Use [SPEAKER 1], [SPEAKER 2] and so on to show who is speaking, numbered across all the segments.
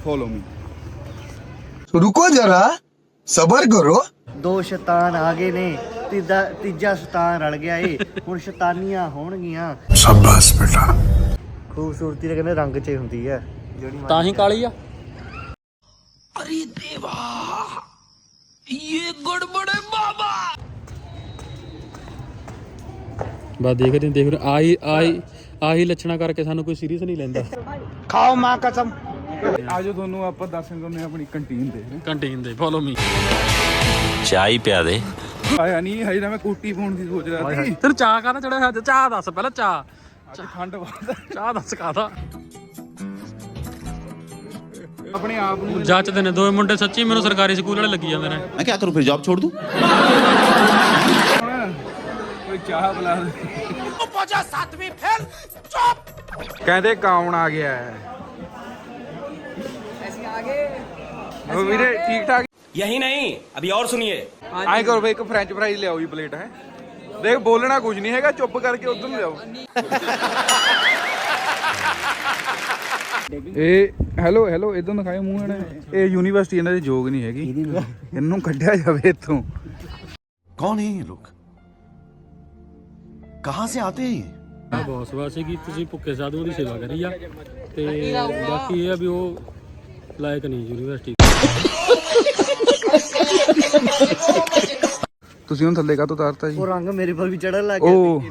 [SPEAKER 1] Follow me.
[SPEAKER 2] रुको जरा सबर करो।
[SPEAKER 3] ਦੋ ਸ਼ੈਤਾਨ ਆ ਗਏ ਨੇ ਤੀਜਾ ਸ਼ੈਤਾਨ ਰਲ ਗਿਆ ਏ ਹੁਣ ਸ਼ੈਤਾਨੀਆਂ ਹੋਣਗੀਆਂ।
[SPEAKER 2] शाबाश बेटा।
[SPEAKER 3] ਖੂਬਸੂਰਤੀ ਤਾਂ ਕਹਿੰਦੇ ਰੰਗ 'ਚ ਹੀ ਹੁੰਦੀ ਹੈ ਜਿਹੜੀ
[SPEAKER 4] ਤਾਂ ਹੀ ਕਾਲੀ ਆ। ਬਸ ਦੇਖ ਆਹੀ ਲੱਛਣਾ ਕਰਕੇ ਸਾਨੂੰ ਕੋਈ ਸੀਰੀਅਸ ਨਹੀਂ ਲੈਂਦਾ।
[SPEAKER 3] ਖਾਓ ਮਾਂ ਕਸਮ।
[SPEAKER 1] ਆਜੋ ਤੁਹਾਨੂੰ ਆਪਾਂ ਦੱਸਣ ਦਿੰਦੇ ਆਪਣੀ ਕੰਟੀਨ ਦੇ।
[SPEAKER 4] ਕੰਟੀਨ ਦੇ ਫੋਲੋ ਮੀ।
[SPEAKER 5] ਚਾਹ ਪਿਆ ਦੇ।
[SPEAKER 1] ਆਇਆ ਨਹੀਂ ਹਜੇ ਤਾਂ ਮੈਂ ਕੋਟੀ ਪਾਉਣ ਦੀ ਸੋਚ ਰਿਹਾ ਸੀ।
[SPEAKER 4] ਤੈਨੂੰ ਚਾਹ ਕਾਹਦਾ ਚੜਿਆ ਹੋਇਆ? ਚਾਹ ਦੱਸ ਪਹਿਲਾਂ।
[SPEAKER 1] ਅੱਜ ਠੰਡ ਬਹੁਤ
[SPEAKER 4] ਚਾਹ ਦੱਸ ਕਾਹਦਾ।
[SPEAKER 1] ਆਪਣੇ ਆਪ ਨੂੰ
[SPEAKER 4] ਜੱਚਦੇ ਨੇ ਦੋਵੇਂ ਮੁੰਡੇ ਸੱਚੀ ਮੈਨੂੰ ਸਰਕਾਰੀ ਸਕੂਲ ਵਾਲੇ ਲੱਗੀ ਜਾਂਦੇ ਨੇ।
[SPEAKER 5] ਮੈਂ ਕੀ ਕਰੂੰ ਫਿਰ ਜੌਬ ਛੋੜ ਦੂੰ।
[SPEAKER 1] ਕੋਈ ਚਾਹ ਬੁਲਾ ਦੇ। ਉਹ ਪਹੁੰਚਾ 7ਵੀਂ ਫੇਲ ਚੁੱਪ। ਕਹਿੰਦੇ ਕੌਣ ਆ ਗਿਆ ਹੈ? ਅਸੀਂ ਆ ਗਏ। ਉਹ ਵੀਰੇ ਠੀਕ ਠਾਕ।
[SPEAKER 6] यही नहीं अभी और सुनिए।
[SPEAKER 1] ਆਏ ਕਰੋ ਬਈ ਇੱਕ ਫ੍ਰੈਂਚ ਫਰਾਈਜ਼ ਲਿਆਓ ਜੀ ਪਲੇਟ ਹੈ। ਦੇਖ ਬੋਲਣਾ ਕੁਝ ਨਹੀਂ ਹੈਗਾ ਚੁੱਪ ਕਰਕੇ ਉਧਰ ਨੂੰ ਲਿਆਓ। ਇਹ ਹੈਲੋ ਇਧਰ ਦਿਖਾਓ ਮੂੰਹ ਇਹਨਾਂ ਇਹ ਯੂਨੀਵਰਸਿਟੀ ਇਹਨਾਂ ਦੀ ਜੋਗ ਨਹੀਂ ਹੈਗੀ ਇਹਨੂੰ ਕੱਢਿਆ ਜਾਵੇ ਇੱਥੋਂ।
[SPEAKER 5] ਕੌਣ ਹੈ ਇਹ ਲੋਕ ਕਹਾਂ ਸੇ ਆਤੇ ਹੈ
[SPEAKER 4] ਬਹੁਤ ਵਾਸੀ ਕੀ ਤੁਸੀਂ ਭੁੱਖੇ ਸਾਧੂਆਂ ਦੀ ਸੇਵਾ ਕਰੀ ਆ ਤੇ ਬਾਕੀ ਇਹ ਆ ਵੀ ਉਹ ਲਾਇਕ ਨਹੀਂ ਯੂਨੀਵਰਸਿਟੀ।
[SPEAKER 1] ਤੁਸੀਂ ਹੁਣ ਥੱਲੇ ਕਾਹਤੋਂ ਉਤਾਰਤਾ ਜੀ?
[SPEAKER 3] ਉਹ ਰੰਗ ਮੇਰੇ ਪਰ ਵੀ ਚੜਨ ਲੱਗ ਗਿਆ।
[SPEAKER 1] ਉਹ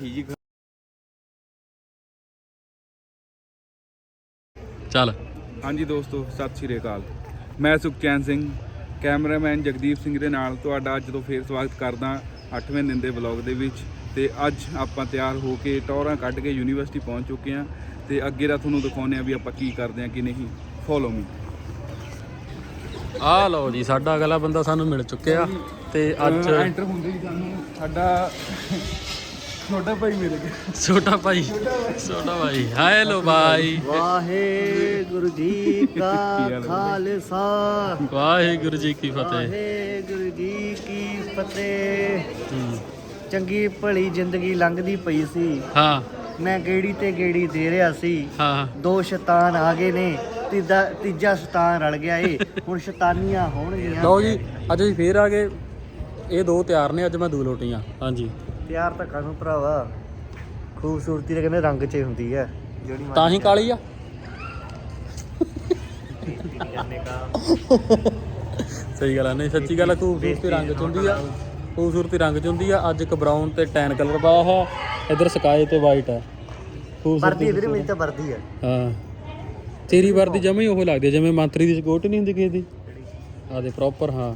[SPEAKER 4] ਚੱਲ
[SPEAKER 1] ਹਾਂਜੀ ਦੋਸਤੋ ਸਤਿ ਸ਼੍ਰੀ ਅਕਾਲ। ਮੈਂ ਸੁਖਚੈਨ ਸਿੰਘ ਕੈਮਰਾਮੈਨ ਜਗਦੀਪ ਸਿੰਘ ਦੇ ਨਾਲ ਤੁਹਾਡਾ ਅੱਜ ਤੋਂ ਫੇਰ ਸਵਾਗਤ ਕਰਦਾ 8ਵੇਂ ਦਿਨ ਦੇ ਵਲੌਗ ਦੇ ਵਿੱਚ। ਤੇ ਅੱਜ ਆਪਾਂ ਤਿਆਰ ਹੋ ਕੇ ਟੌਰਾਂ ਕੱਢ ਕੇ ਯੂਨੀਵਰਸਿਟੀ ਪਹੁੰਚ ਚੁੱਕੇ ਹਾਂ ਤੇ ਅੱਗੇ ਦਾ ਤੁਹਾਨੂੰ ਦਿਖਾਉਂਦੇ ਆ ਵੀ ਆਪਾਂ ਕੀ ਕਰਦੇ ਆ ਕਿ ਨਹੀਂ। Follow me.
[SPEAKER 4] ਆਹ ਲਓ ਜੀ ਸਾਡਾ ਅਗਲਾ ਬੰਦਾ ਸਾਨੂੰ ਮਿਲ ਚੁੱਕਿਆ ਤੇ ਅੱਜ
[SPEAKER 1] ਐਂਟਰ ਹੁੰਦੇ ਹੀ ਸਾਨੂੰ ਸਾਡਾ ਛੋਟਾ ਭਾਈ ਮਿਲ ਗਿਆ।
[SPEAKER 4] ਛੋਟਾ ਭਾਈ ਹੈਲੋ ਭਾਈ।
[SPEAKER 3] ਵਾਹਿਗੁਰੂ ਜੀ ਕਾ ਖਾਲਸਾ
[SPEAKER 4] ਵਾਹਿਗੁਰੂ ਜੀ ਕੀ ਫਤਿਹ।
[SPEAKER 3] ਵਾਹਿਗੁਰੂ ਜੀ ਕੀ ਫਤਿਹ। ਚੰਗੀ ਭਲੀ ਜ਼ਿੰਦਗੀ ਲੰਘਦੀ ਪਈ ਸੀ।
[SPEAKER 4] ਹਾਂ
[SPEAKER 3] ਮੈਂ ਗੇੜੀ ਤੇ ਗੇੜੀ ਦੇ ਰਿਹਾ ਸੀ।
[SPEAKER 4] ਹਾਂ
[SPEAKER 3] ਦੋ ਸ਼ੈਤਾਨ ਆ ਗਏ ਨੇ ਤੀਜਾ ਸ਼ੈਤਾਨ ਰਲ ਗਿਆ ਏ ਹੁਣ ਸ਼ੈਤਾਨੀਆਂ ਹੋਣਗੀਆਂ।
[SPEAKER 4] ਲਓ ਜੀ ਅੱਜ ਅਸੀਂ ਫੇਰ ਆ ਗਏ। ਇਹ ਦੋ ਤਿਆਰ ਨੇ ਅੱਜ ਮੈਂ ਦੋ ਲੋਟੀਆਂ। ਹਾਂਜੀ
[SPEAKER 3] ਪਿਆਰ ਤਾਂ ਕਾਹਨੂੰ ਭਰਾਵਾ ਖੂਬਸੂਰਤੀ ਤਾਂ ਕਹਿੰਦੇ ਰੰਗ 'ਚ ਹੀ ਹੁੰਦੀ ਹੈ ਜਿਹੜੀ
[SPEAKER 4] ਤਾਂ ਹੀ ਕਾਲੀ ਆ। ਸਹੀ ਗੱਲ ਆ। ਨਹੀਂ ਸੱਚੀ ਗੱਲ ਆ। ਖੂਬਸੂਰਤੀ ਰੰਗ 'ਚ ਹੁੰਦੀ ਆ। ਖੂਬਸੂਰਤੀ ਰੰਗ 'ਚ ਹੁੰਦੀ ਆ। ਅੱਜ ਇੱਕ ਬਰਾਊਨ ਤੇ ਟੈਨ ਕਲਰ ਪਾਇਆ ਹੈ। ਇੱਧਰ ਸਕਾਈ ਤੇ ਵਾਈਟ ਹੈ।
[SPEAKER 3] ਵਰਦੀ ਵੀਰੇ ਮੇਰੀ ਤਾਂ ਵਰਦੀ ਹੈ।
[SPEAKER 4] ਹਾਂ ਤੇਰੀ ਵਰਦੀ ਜਮਾ ਹੀ ਉਹ ਲੱਗਦੀ ਹੈ ਜਿਵੇਂ ਮੰਤਰੀ ਦੀ ਸਿਕਿਉਰਟੀ ਨਹੀਂ ਹੁੰਦੀ ਕਿਸੇ ਦੀ। ਆ ਦੇ ਪ੍ਰੋਪਰ। ਹਾਂ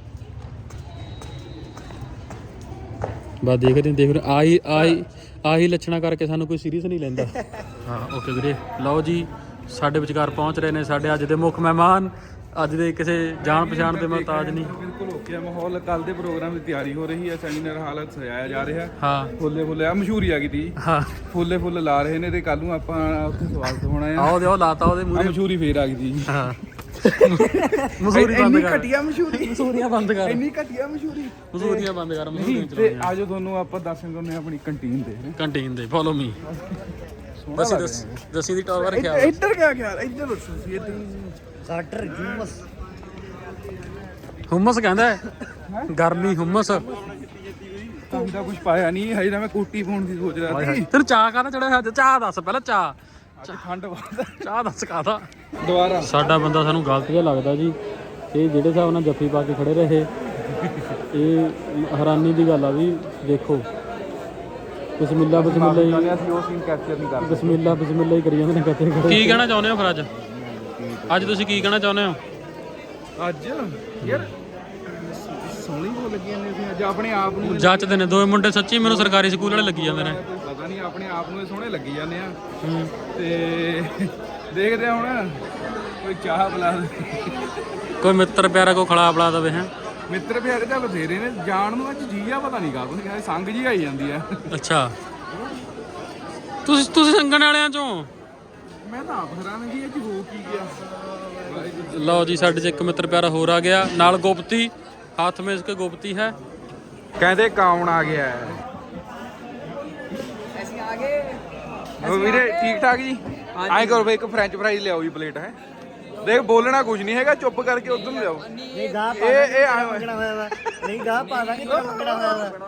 [SPEAKER 4] ਬਸ ਦੇਖ ਆਹੀ ਲੱਛਣਾ ਕਰਕੇ ਸਾਨੂੰ ਕੋਈ ਸੀਰੀਅਸ ਨਹੀਂ ਲੈਂਦਾ। ਹਾਂ ਓਕੇ ਵੀਰੇ। ਲਓ ਜੀ ਸਾਡੇ ਵਿਚਕਾਰ ਪਹੁੰਚ ਰਹੇ ਨੇ ਸਾਡੇ ਅੱਜ ਦੇ ਮੁੱਖ ਮਹਿਮਾਨ। ਅੱਜ ਦੇ ਕਿਸੇ ਜਾਣ ਪਛਾਣ ਦੇ ਮੁਹਤਾਜ ਨਹੀਂ।
[SPEAKER 1] ਬਿਲਕੁਲ ਓਕੇ ਮਾਹੌਲ। ਕੱਲ ਦੇ ਪ੍ਰੋਗਰਾਮ ਦੀ ਤਿਆਰੀ ਹੋ ਰਹੀ ਹੈ। ਸੈਮੀਨਾਰ ਹਾਲ ਸਜਾਇਆ ਜਾ ਰਿਹਾ।
[SPEAKER 4] ਹਾਂ
[SPEAKER 1] ਫੁੱਲੇ ਆ ਮਸ਼ਹੂਰੀ ਆ ਗਈ ਤੀ।
[SPEAKER 4] ਹਾਂ
[SPEAKER 1] ਫੁੱਲੇ ਲਾ ਰਹੇ ਨੇ ਤੇ ਕੱਲ ਨੂੰ ਆਪਾਂ ਉੱਥੇ ਸਵਾਗਤ ਹੋਣਾ ਆ।
[SPEAKER 4] ਆਓ ਦੇ ਉਹ ਲਾਤਾ ਉਹਦੇ ਮੂਹਰੇ
[SPEAKER 1] ਮਸ਼ਹੂਰੀ ਫੇਰ ਆ ਗਈ ਜੀ।
[SPEAKER 4] ਹਾਂ ਮਸੂਰੀ ਬੰਦ ਕਰ।
[SPEAKER 1] ਘਟੀਆ ਮਸ਼ਹੂਰੀ।
[SPEAKER 4] ਮਸੂਰੀਆਂ ਬੰਦ ਕਰ।
[SPEAKER 1] ਇੰਨੀ ਘਟੀਆ ਮਸ਼ਹੂਰੀ।
[SPEAKER 4] ਮਸੂਰੀਆਂ ਬੰਦ ਕਰ।
[SPEAKER 1] ਤੇ ਆਜੋ ਤੁਹਾਨੂੰ ਆਪਾਂ ਦੱਸਣ ਦਿੰਦੇ ਆਪਣੀ ਕੰਟੀਨ ਦੇ।
[SPEAKER 4] ਕੰਟੀਨ ਦੇ ਫੋਲੋ ਮੀ। ਦੱਸੀ ਦੀ ਟੌਰ ਬਾਰੇ ਖਿਆਲ।
[SPEAKER 1] ਇੱਧਰ ਕਿਆ ਖਿਆਲ? ਇੱਧਰ ਦੱਸੋ ਸੀ ਇੱਧਰ
[SPEAKER 3] ਗਾਟਰ
[SPEAKER 4] ਹੁਮਸ ਕਹਿੰਦਾ ਹੈ। ਗਰਮੀ ਹੁਮਸ।
[SPEAKER 1] ਤਾਂ ਦਾ ਕੁਝ ਪਾਇਆ ਨਹੀਂ ਹਜੇ ਤਾਂ ਮੈਂ ਕੋਟੀ ਪਾਉਣ ਦੀ ਸੋਚ ਰਿਹਾ ਸੀ।
[SPEAKER 4] ਤੈਨੂੰ ਚਾਹ ਕਾਹਦਾ ਚੜਿਆ ਹੋਇਆ? ਚਾਹ ਦੱਸ ਪਹਿਲਾਂ।
[SPEAKER 1] ਅੱਜ ਠੰਡ ਬਹੁਤ
[SPEAKER 4] ਚਾਹ ਦੱਸ ਕਾਹਦਾ।
[SPEAKER 1] ਦੁਬਾਰਾ
[SPEAKER 4] ਸਾਡਾ ਬੰਦਾ ਸਾਨੂੰ ਗਲਤ ਜਿਹਾ ਲੱਗਦਾ ਜੀ। ਇਹ ਜਿਹੜੇ ਹਿਸਾਬ ਨਾਲ ਜੱਫੀ ਪਾ ਕੇ ਖੜੇ ਰਹੇ ਇਹ ਹੈਰਾਨੀ ਦੀ ਗੱਲ ਆ ਵੀ ਦੇਖੋ ਬਿਸਮਿਲ੍ਲਾ ਹੀ
[SPEAKER 1] ਅਸੀਂ ਉਹ ਸੀਨ ਕੈਪਚਰ ਨਹੀਂ ਕਰਦੇ।
[SPEAKER 4] ਬਿਸਮਿਲ੍ਲਾ ਹੀ ਕਰੀ ਜਾਂਦੇ ਨੇ ਕੱਤੇ ਖੜੇ। ਕੀ ਕਹਿਣਾ ਚਾਹੁੰਦੇ ਹੋ ਫਿਰ ਅੱਜ ਤੁਸੀਂ ਕੀ ਕਹਿਣਾ ਚਾਹੁੰਦੇ ਹੋ?
[SPEAKER 1] ਅੱਜ ਯਾਰ ਸੋਹਣੀ ਹੋ ਲੱਗੀਆਂ ਨੇ ਅਸੀਂ ਅੱਜ ਆਪਣੇ ਆਪ ਨੂੰ
[SPEAKER 4] ਜੱਚਦੇ ਨੇ ਦੋਵੇਂ ਮੁੰਡੇ ਸੱਚੀ ਮੈਨੂੰ ਸਰਕਾਰੀ ਸਕੂਲ ਵਾਲੇ ਲੱਗੀ ਜਾਂਦੇ ਨੇ।
[SPEAKER 1] ਪਤਾ ਨਹੀਂ ਆਪਣੇ ਆਪ ਨੂੰ ਇਹ ਸੋਹਣੇ ਲੱਗੀ ਜਾਂਦੇ ਆ। ਤੇ ਦੇਖਦੇ ਆ ਹੁਣ ਕੋਈ ਚਾਹ ਬੁਲਾ ਦੇ।
[SPEAKER 4] ਕੋਈ ਮਿੱਤਰ ਪਿਆਰਾ ਕੋਈ ਖਲਾ ਬੁਲਾ ਦਵੇ। ਹੈ
[SPEAKER 1] ਮਿੱਤਰ ਪਿਆਰੇ ਤਾਂ ਬਥੇਰੇ ਨੇ ਜਾਣ ਨੂੰ। ਅੱਜ ਜੀ ਆ ਪਤਾ ਨਹੀਂ ਕਾਹਤੋਂ ਸੰਗ ਜੀ ਆਈ ਜਾਂਦੀ ਆ।
[SPEAKER 4] ਅੱਛਾ ਤੁਸੀਂ ਸੰਗਣ ਵਾਲਿਆਂ ਚੋਂ?
[SPEAKER 1] ਮੈਂ ਤਾਂ ਆਪ ਹੈਰਾਨ ਜੀ ਅੱਜ ਹੋ ਕੀ ਗਿਆ।
[SPEAKER 4] ਲਓ ਜੀ ਸਾਡੇ 'ਚ ਇੱਕ ਮਿੱਤਰ ਪਿਆਰਾ ਹੋਰ ਆ ਗਿਆ ਨਾਲ। ਗੁਪਤੀ ਹੱਥ ਮੇਂ ਇਸਕੇ ਗੁਪਤੀ ਹੈ।
[SPEAKER 1] ਕਹਿੰਦੇ ਕੌਣ ਆ ਗਿਆ ਹੈ?
[SPEAKER 3] ਅਸੀਂ ਆ ਗਏ।
[SPEAKER 1] ਉਹ ਵੀਰੇ ਠੀਕ ਠਾਕ ਜੀ। ਆਏ ਕਰੋ ਬਈ ਇੱਕ ਫ੍ਰੈਂਚ ਫਰਾਈਜ਼ ਲਿਆਓ ਜੀ ਪਲੇਟ ਹੈ। ਦੇਖ ਬੋਲਣਾ ਕੁਝ ਨਹੀਂ ਹੈਗਾ, ਚੁੱਪ ਕਰਕੇ ਉਧਰ ਨੂੰ ਜਾਓ।
[SPEAKER 3] ਨਹੀਂ ਗਾਹ ਪਾ ਦਾਂਗੇ ਤੇਰਾ ਮੰਗਣਾ ਹੋਇਆ ਵਾ, ਨਹੀਂ ਗਾਹ ਪਾ ਦਾਂਗੇ ਤੇਰਾ ਮੰਗਣਾ ਹੋਇਆ ਵਾ।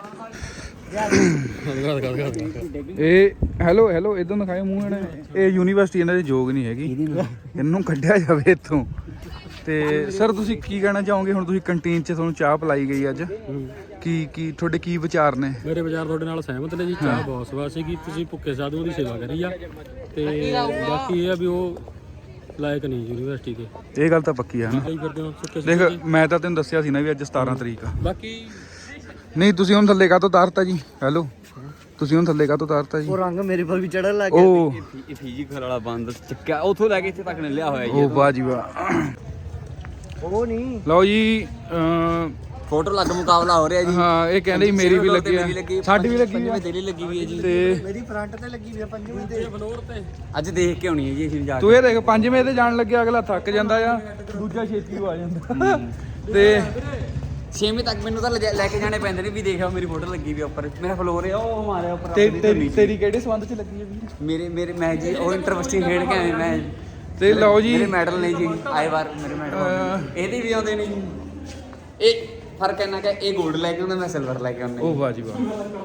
[SPEAKER 1] ਇਹ ਹੈਲੋ ਇਦਾਂ ਦਿਖਾਏ ਮੂੰਹ ਇਹਨੇ। ਇਹ ਯੂਨੀਵਰਸਿਟੀ ਇਹਨਾਂ ਦੀ ਜੋਗ ਨਹੀਂ ਹੈਗੀ, ਇਹਨੂੰ ਕੱਢਿਆ ਜਾਵੇ ਇੱਥੋਂ। ਤੇ ਸਰ ਤੁਸੀਂ ਕੀ ਕਹਿਣਾ ਚਾਹੋਗੇ? ਹੁਣ ਤੁਸੀਂ ਕੰਟੀਨ 'ਚ ਤੁਹਾਨੂੰ ਚਾਹ ਪਿਲਾਈ ਗਈ ਅੱਜ, ਕੀ ਤੁਹਾਡੇ ਕੀ ਵਿਚਾਰ ਨੇ?
[SPEAKER 4] ਮੇਰੇ ਵਿਚਾਰ ਤੁਹਾਡੇ ਨਾਲ ਸਹਿਮਤ ਨੇ ਜੀ। ਚਾਹ ਬਹੁਤ ਸਵਾਦ ਸੀਗੀ, ਤੁਸੀਂ ਭੁੱਖੇ ਸਾਧੂਆਂ ਦੀ ਸੇਵਾ ਕਰੀ ਆ। ਤੇ ਬਾਕੀ ਇਹ ਆ ਵੀ ਉਹ ਲਾਇਕ ਨਹੀਂ ਯੂਨੀਵਰਸਿਟੀ ਦੇ।
[SPEAKER 1] ਇਹ ਗੱਲ ਤਾਂ ਪੱਕੀ ਆ ਨਾ।
[SPEAKER 4] ਲਈ ਫਿਰਦੇ ਹੋ ਸੁੱਕੇ
[SPEAKER 1] ਦੇਖ
[SPEAKER 4] ਸੁੱਕੇ ਜੀ।
[SPEAKER 1] ਮੈਂ ਤਾਂ ਤੈਨੂੰ ਦੱਸਿਆ ਸੀ ਨਾ ਵੀ ਅੱਜ 17 ਤਰੀਕ ਆ।
[SPEAKER 4] ਬਾਕੀ
[SPEAKER 1] ਨਹੀਂ ਤੁਸੀਂ ਹੁਣ ਥੱਲੇ ਕਾਹਤੋਂ ਉਤਾਰਤਾ ਜੀ? ਹੈਲੋ ਤੁਸੀਂ ਹੁਣ ਥੱਲੇ ਕਾਹਤੋਂ ਉਤਾਰਤਾ ਜੀ?
[SPEAKER 3] ਉਹ ਰੰਗ ਮੇਰੇ ਪਰ ਵੀ ਚੜਨ ਲੱਗ ਗਿਆ।
[SPEAKER 1] ਉਹ
[SPEAKER 7] ਇਹ ਫਿਜ਼ੀਕਲ ਵਾਲਾ ਬੰਦ ਚੱਕਿਆ ਉੱਥੋਂ ਲੈ ਕੇ ਇੱਥੇ ਤੱਕ ਨੇ ਲਿਆ ਹੋਇਆ ਜੀ।
[SPEAKER 1] ਉਹ ਵਾਹ ਜੀ ਵਾਹ।
[SPEAKER 3] ਉਹ ਨਹੀਂ
[SPEAKER 1] ਲਓ ਜੀ
[SPEAKER 7] ਫੋਟੋ ਲੱਗ ਮੁਕਾਬਲਾ ਹੋ ਰਿਹਾ ਜੀ।
[SPEAKER 1] ਹਾਂ ਇਹ ਕਹਿੰਦੇ ਜੀ ਮੇਰੀ ਵੀ ਲੱਗੀ ਆ, ਸਾਡੀ ਵੀ ਲੱਗੀ ਆ
[SPEAKER 7] ਤੇਰੀ ਲੱਗੀ ਵੀ ਹੈ ਜੀ।
[SPEAKER 1] ਤੇ
[SPEAKER 3] ਮੇਰੀ ਫਰੰਟ ਤੇ ਲੱਗੀ ਵੀ ਆ 5ਵੀਂ ਤੇ
[SPEAKER 4] ਫਲੋਰ ਤੇ
[SPEAKER 7] ਅੱਜ ਦੇਖ ਕੇ ਆਉਣੀ ਹੈ ਜੀ ਅਸੀਂ ਜਾ
[SPEAKER 1] ਤੂੰ ਇਹ ਦੇਖ 5ਵੇਂ ਤੇ ਜਾਣ ਲੱਗਿਆ ਅਗਲਾ ਥੱਕ ਜਾਂਦਾ ਆ, ਦੂਜਾ ਛੇਤੀ ਆ ਜਾਂਦਾ। ਤੇ
[SPEAKER 7] 6ਵੀਂ ਤੱਕ ਮੈਨੂੰ ਤਾਂ ਲੈ ਕੇ ਜਾਣੇ ਪੈਂਦੇ ਨੇ ਵੀ ਦੇਖਿਓ ਮੇਰੀ ਫੋਟੋ ਲੱਗੀ ਵੀ ਉੱਪਰ। ਮੇਰਾ ਫਲੋਰ ਹੈ ਉਹ ਮਾਰਿਆ ਉੱਪਰ।
[SPEAKER 1] ਤੇਰੀ ਕਿਹੜੇ ਸੰਬੰਧ 'ਚ ਲੱਗੀ ਆ ਵੀਰ?
[SPEAKER 7] ਮੇਰੇ ਮੈਂ ਜੀ ਉਹ ਇੰਟਰਵਿਸਟਿੰਗ ਖੇਡ ਕੇ ਆਇਆ ਮੈਂ।
[SPEAKER 1] ਤੇ ਲਓ ਜੀ
[SPEAKER 7] ਮੇਰੇ ਮੈਡਲ ਨੇ ਜੀ ਆਏ ਵਾਰ ਮੇਰੇ ਮੈਡਲ ਇਹਦੇ ਵੀ ਆਉਂਦੇ ਨੇ ਜੀ। ਇਹ ਫਰਕ ਇੰਨਾ ਕਿ ਇਹ 골ਡ ਲੈ ਕੇ ਆਉਂਦਾ, ਮੈਂ ਸਿਲਵਰ ਲੈ ਕੇ ਆਉਂਦਾ।
[SPEAKER 1] ਉਹ ਵਾਹ ਜੀ ਵਾਹ।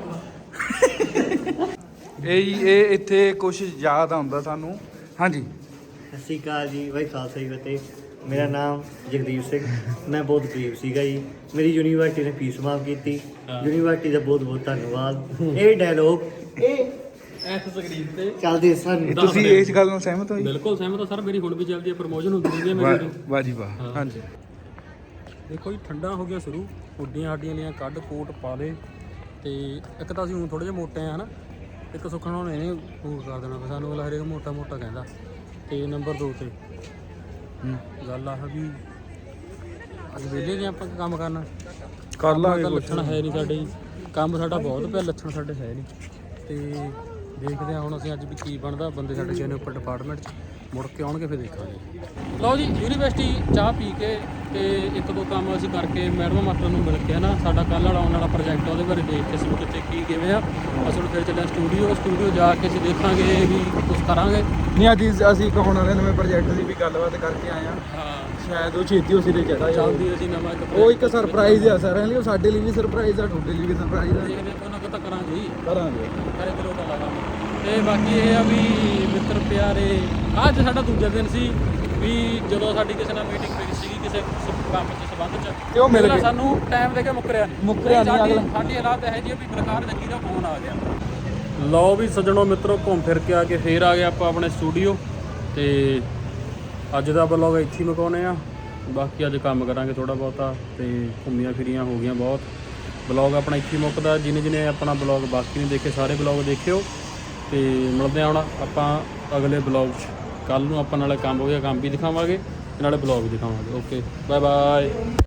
[SPEAKER 1] ਇਹ ਇੱਥੇ ਕੁਝ ਯਾਦ ਆਉਂਦਾ ਸਾਨੂੰ। ਹਾਂਜੀ
[SPEAKER 3] ਸਤਿ ਸ਼੍ਰੀ ਅਕਾਲ ਜੀ, ਵਾਹਿ ਖਾਲਸਾ ਜੀ ਫਤਿਹ। ਮੇਰਾ ਨਾਮ ਜਗਦੀਪ ਸਿੰਘ, ਮੈਂ ਬਹੁਤ ਗਰੀਬ ਸੀਗਾ ਜੀ। ਮੇਰੀ ਯੂਨੀਵਰਸਿਟੀ ਨੇ ਫੀਸ ਮਾਫ ਕੀਤੀ, ਯੂਨੀਵਰਸਿਟੀ ਦਾ ਬਹੁਤ ਬਹੁਤ ਧੰਨਵਾਦ। ਇਹ ਡਾਇਲੋਗ ਇਹ
[SPEAKER 4] ਐਸ ਸਕਰੀਨ ਤੇ
[SPEAKER 3] ਚੱਲਦੇ ਸਨ।
[SPEAKER 1] ਤੁਸੀਂ ਇਸ ਗੱਲ ਨਾਲ ਸਹਿਮਤ ਹੋ ਜੀ?
[SPEAKER 4] ਬਿਲਕੁਲ ਸਹਿਮਤ ਹਾਂ ਸਰ। ਮੇਰੀ ਹੁਣ ਵੀ ਚੱਲਦੀ ਹੈ, ਪ੍ਰਮੋਸ਼ਨ ਹੁੰਦੀ ਰਹਿੰਦੀ ਹੈ ਮੇਰੀ।
[SPEAKER 1] ਵਾਹ ਜੀ ਵਾਹ। ਹਾਂਜੀ
[SPEAKER 4] ਦੇਖੋ ਜੀ ਠੰਡਾ ਹੋ ਗਿਆ ਸ਼ੁਰੂ, ਹੁੱਡੀਆਂ ਸਾਡੀਆਂ ਲੀਆਂ ਕੱਢ ਕੋਟ ਪਾ ਲੇ। ਤੇ ਇੱਕ ਤਾਂ ਅਸੀਂ ਹੁਣ ਥੋੜੇ ਜਿਹਾ ਮੋਟੇ ਆ ਹਨਾ, ਇੱਕ ਸੁੱਖਣ ਹੁਣ ਇਹਨੇ ਫੂਡ ਕਰ ਦੇਣਾ, ਸਾਨੂੰ ਅਗਲਾ ਹਰੇਕ ਮੋਟਾ ਮੋਟਾ ਕਹਿੰਦਾ। ਤੇ ਨੰਬਰ 2 ਤੇ ਗੱਲ ਆਹ ਵੀ ਅੱਜ ਵਿਹਲੇ ਜੇ ਆਪਾਂ ਕੰਮ ਕਰਨਾ
[SPEAKER 1] ਕਰ ਲਾਂਗੇ
[SPEAKER 4] ਤਾਂ
[SPEAKER 1] ਕੁਛ।
[SPEAKER 4] ਲੱਛਣ ਹੈ ਨਹੀਂ ਸਾਡੇ ਜੀ, ਕੰਮ ਸਾਡਾ ਬਹੁਤ ਪਿਆ, ਲੱਛਣ ਸਾਡੇ ਹੈ ਨਹੀਂ। ਤੇ ਦੇਖਦੇ ਹਾਂ ਹੁਣ ਅਸੀਂ ਅੱਜ ਵੀ ਕੀ ਬਣਦਾ। ਬੰਦੇ ਸਾਡੇ ਗਏ ਨੇ ਉੱਪਰ ਡਿਪਾਰਟਮੈਂਟ 'ਚ, ਮੁੜ ਕੇ ਆਉਣਗੇ ਫਿਰ ਦੇਖਾਂਗੇ। ਲਓ ਜੀ ਯੂਨੀਵਰਸਿਟੀ ਚਾਹ ਪੀ ਕੇ ਤੇ ਇੱਕ ਦੋ ਕੰਮ ਅਸੀਂ ਕਰਕੇ ਮੈਡਮ ਮਾਸਟਰ ਨੂੰ ਮਿਲ ਕੇ ਨਾ ਸਾਡਾ ਕੱਲ੍ਹ ਵਾਲਾ ਆਉਣ ਵਾਲਾ ਪ੍ਰੋਜੈਕਟ ਉਹਦੇ ਬਾਰੇ ਦੇਖ ਕੇ ਅਸੀਂ ਕਿਤੇ ਕੀ ਕਿਵੇਂ ਆ। ਅਸੀਂ ਫਿਰ ਚੱਲਿਆ ਸਟੂਡੀਓ ਜਾ ਕੇ ਅਸੀਂ ਦੇਖਾਂਗੇ ਵੀ ਕੁਝ ਕਰਾਂਗੇ।
[SPEAKER 1] ਨਹੀਂ ਅੱਜ ਅਸੀਂ ਇੱਕ ਹੁਣ ਵਾਲੇ ਨਵੇਂ ਪ੍ਰੋਜੈਕਟ ਦੀ ਵੀ ਗੱਲਬਾਤ ਕਰਕੇ ਆਏ ਆ।
[SPEAKER 4] ਹਾਂ
[SPEAKER 1] ਸ਼ਾਇਦ ਉਹ ਛੇਤੀ ਉਸੇ ਦੇ ਚੜਾ
[SPEAKER 4] ਜਲਦੀ ਅਸੀਂ ਨਵਾਂ
[SPEAKER 1] ਉਹ ਇੱਕ ਸਰਪ੍ਰਾਈਜ਼ ਆ ਸਾਰਿਆਂ ਲਈ, ਉਹ ਸਾਡੇ ਲਈ ਵੀ ਸਰਪ੍ਰਾਈਜ਼ ਆ, ਤੁਹਾਡੇ ਲਈ ਵੀ ਸਰਪ੍ਰਾਈਜ਼ ਆ।
[SPEAKER 4] ਦੇਖਦੇ ਕੋਈ ਨਾ ਕੋਈ ਤਾਂ ਕਰਾਂਗੇ ਹੀ,
[SPEAKER 1] ਕਰਾਂਗੇ
[SPEAKER 4] ਕਰੇ ਤੇ ਲੋਕਾਂ ਲਾਵਾਂਗੇ। ਤੇ ਬਾਕੀ ਇਹ ਆ ਵੀ ਮਿੱਤਰ ਪਿਆਰੇ, ਅੱਜ ਸਾਡਾ ਦੂਜਾ ਦਿਨ ਸੀ ਵੀ ਜਦੋਂ ਸਾਡੀ ਕਿਸੇ ਨਾਲ ਮੀਟਿੰਗ ਪਈ ਸੀਗੀ ਕਿਸੇ ਕੰਮ ਦੇ ਸੰਬੰਧ 'ਚ,
[SPEAKER 1] ਤੇ ਉਹ ਮਿਲ
[SPEAKER 4] ਅਗਲਾ
[SPEAKER 1] ਗਏ।
[SPEAKER 4] ਸਾਨੂੰ ਟਾਈਮ ਦੇ ਕੇ ਮੁੱਕਰਿਆ ਨਹੀਂ
[SPEAKER 1] ਅਗਲਾ।
[SPEAKER 4] ਸਾਡੀ ਹਾਲਾਤ ਇਹ ਜੀ ਵੀ ਪ੍ਰਕਾਰ ਜੱਗੀ ਦਾ ਫੋਨ ਆ ਗਿਆ। ਲਓ ਵੀ ਸੱਜਣੋ ਮਿੱਤਰੋ, ਘੁੰਮ ਫਿਰ ਕੇ ਆ ਕੇ ਫੇਰ ਆ ਗਏ ਆਪਾਂ ਆਪਣੇ ਸਟੂਡੀਓ। ਤੇ ਅੱਜ ਦਾ ਬਲੌਗ ਇੱਥੇ ਹੀ ਮੁਕਾਉਂਦੇ ਆ। ਬਾਕੀ ਅੱਜ ਕੰਮ ਕਰਾਂਗੇ ਥੋੜਾ ਬਹੁਤਾ, ਤੇ ਘੁੰਮੀਆਂ ਫਿਰੀਆਂ ਹੋ ਗਈਆਂ ਬਹੁਤ। ਬਲੌਗ ਆਪਣਾ ਇੱਥੇ ਹੀ ਮੁੱਕਦਾ। ਜਿਹਨੇ ਆਪਣਾ ਬਲੌਗ ਬਾਕੀ ਨਹੀਂ ਦੇਖੇ ਸਾਰੇ ਬਲੌਗ ਦੇਖਿਓ। ਤੇ ਮਿਲਦੇ ਹਾਂ ਹੁਣ ਆਪਾਂ ਅਗਲੇ ਬਲੌਗ 'ਚ। ਕੱਲ੍ਹ ਨੂੰ ਆਪਾਂ ਨਾਲੇ ਕੰਮ ਹੋ ਗਿਆ, ਕੰਮ ਵੀ ਦਿਖਾਵਾਂਗੇ ਤੇ ਨਾਲੇ ਬਲੌਗ ਵੀ ਦਿਖਾਵਾਂਗੇ। Okay bye bye.